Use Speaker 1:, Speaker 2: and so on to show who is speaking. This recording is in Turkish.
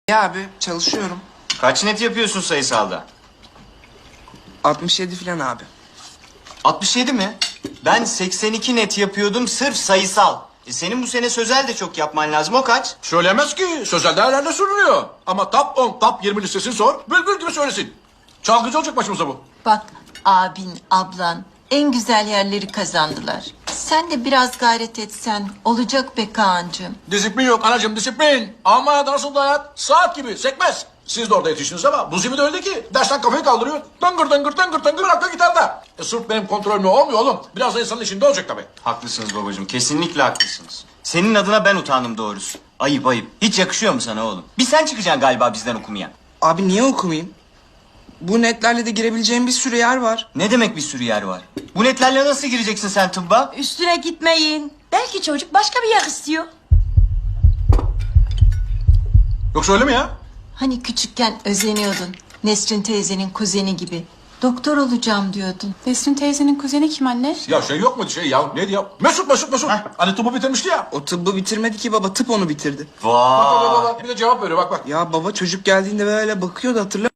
Speaker 1: Ya abi çalışıyorum.
Speaker 2: Kaç net yapıyorsun sayısalda?
Speaker 1: 67 falan abi.
Speaker 2: 67 mi? Ben 82 net yapıyordum sırf sayısal. Senin bu sene sözel de çok yapman lazım. O kaç?
Speaker 3: Söylemez ki. Sözel değerlerde sürünüyor. Ama top 10, top 20 listesini sor. Bülbül gibi söylesin. Çalgıcı olacak başımıza bu.
Speaker 4: Bak abin, ablan en güzel yerleri kazandılar. Sen de biraz gayret etsen olacak be Kaan'cığım.
Speaker 3: Disiplin yok anacığım, disiplin. Ama nasıl da hayat? Saat gibi sekmez. Siz de orada yetiştiniz ama bu zimi de öyle ki. Dersten kafayı kaldırıyor. Tıngır tıngır tıngır tıngır arka gitarda. Sırf benim kontrolümle olmuyor oğlum. Biraz da insanın içinde olacak tabii.
Speaker 2: Haklısınız babacığım. Kesinlikle haklısınız. Senin adına ben utandım doğrusu. Ayıp ayıp. Hiç yakışıyor mu sana oğlum? Bir sen çıkacaksın galiba bizden okumaya.
Speaker 1: Abi niye okumayayım? Bu netlerle de girebileceğim bir sürü yer var.
Speaker 2: Ne demek bir sürü yer var? Bu netlerle nasıl gireceksin sen tıbba?
Speaker 4: Üstüne gitmeyin. Belki çocuk başka bir yer istiyor.
Speaker 3: Yoksa öyle mi ya?
Speaker 4: Hani küçükken özeniyordun. Nesrin teyzenin kuzeni gibi. Doktor olacağım diyordun.
Speaker 5: Nesrin teyzenin kuzeni kim anne?
Speaker 3: Ya şey yok mu şey ya? Neydi ya? Mesut. Hani tıbbı bitirmişti ya.
Speaker 1: O tıbbı bitirmedi ki baba, tıp onu bitirdi.
Speaker 3: Bak
Speaker 2: Vay.
Speaker 3: bak. Bir de cevap veriyor bak.
Speaker 1: Ya baba çocuk geldiğinde böyle bakıyordu, hatırlamıyor